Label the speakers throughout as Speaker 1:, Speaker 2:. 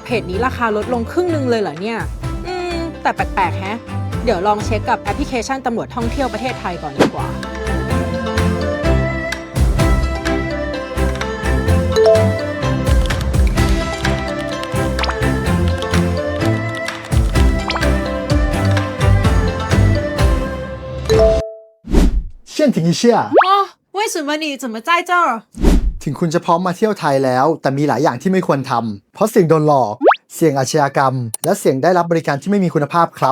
Speaker 1: เพจนี้ราคาลดลงครึ่งนึงเลยเหรอเนี่ยแต่แปลกๆแฮะเดี๋ยวลองเช็คกับแอปพลิเคชันตำรวจท่องเที่ยวประเทศไทยก่อนดีกว่า
Speaker 2: เช่นถึง一下
Speaker 1: 哦为什么你怎么在这儿
Speaker 2: ถึงคุณจะพร้อมมาเที่ยวไทยแล้วแต่มีหลายอย่างที่ไม่ควรทำเพราะเสี่ยงโดนหลอกเสี่ยงอาชญากรรมและเสี่ยงได้รับบริการที่ไม่มีคุณภาพครับ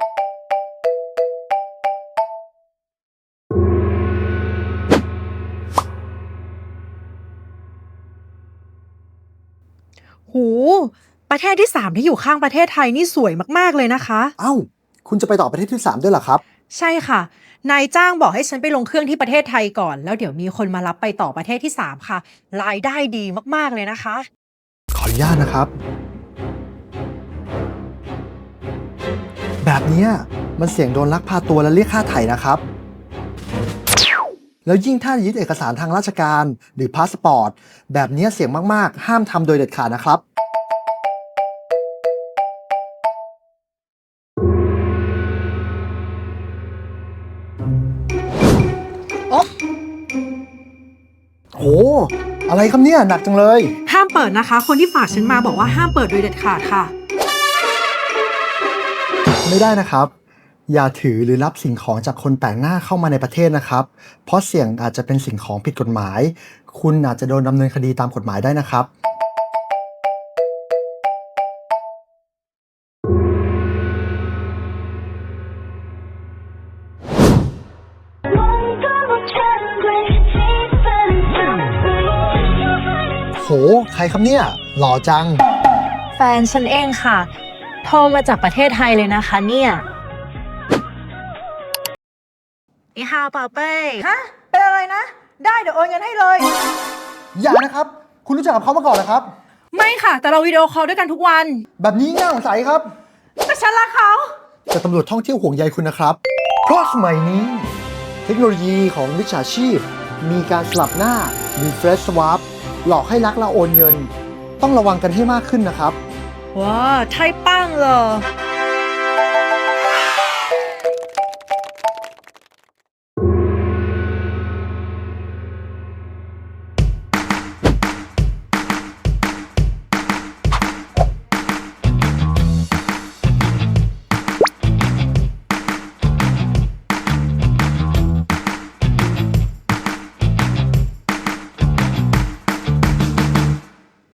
Speaker 1: หูประเทศที่3ที่อยู่ข้างประเทศไทยนี่สวยมากๆเลยนะคะ
Speaker 2: เอ้าคุณจะไปต่อประเทศที่3ด้วยเหรอครับ
Speaker 1: ใช่ค่ะนายจ้างบอกให้ฉันไปลงเครื่องที่ประเทศไทยก่อนแล้วเดี๋ยวมีคนมารับไปต่อประเทศที่3ค่ะรายได้ดีมากๆเลยนะคะ
Speaker 2: ขออนุญาตนะครับแบบนี้มันเสี่ยงโดนลักพาตัวและเรียกค่าไถ่นะครับแล้วยิ่งถ้ายึดเอกสารทางราชการหรือพาสปอร์ตแบบนี้เสี่ยงมากๆห้ามทำโดยเด็ดขาดนะครับโหอะไรครับเนี่ยหนักจังเลย
Speaker 1: ห้ามเปิดนะคะคนที่ฝากฉันมาบอกว่าห้ามเปิดโดยเด็ดขาดค่ะ
Speaker 2: ไม่ได้นะครับอย่าถือหรือรับสิ่งของจากคนแปลกหน้าเข้ามาในประเทศนะครับเพราะเสี่ยงอาจจะเป็นสิ่งของผิดกฎหมายคุณอาจจะโดนดำเนินคดีตามกฎหมายได้นะครับโหใครครับเนี่ยหล่อจัง
Speaker 1: แฟนฉันเองค่ะโทรมาจากประเทศไทยเลยนะคะเนี่ยอีฮาวเปาเป้ฮะเป็นอะไรนะได้เดี๋ยวโอนเงินให้เลย
Speaker 2: อย่านะครับคุณรู้จักกับเขามาก่อนเหรอครับ
Speaker 1: ไม่ค่ะแต่เราวิดีโอคอลด้วยกันทุกวัน
Speaker 2: แบบนี้น่าสงสัยครับ
Speaker 1: แต่ฉันรักเขา
Speaker 2: แต่ตำรวจท่องเที่ยวห่วงใยคุณนะครับเพราะสมัยนี้เทคโนโลยีของมิจฉาชีพมีการสลับหน้าหรือ Fresh Swap หลอกให้ลักและโอนเงินต้องระวังกันให้มากขึ้นนะครับ
Speaker 1: 哇太棒了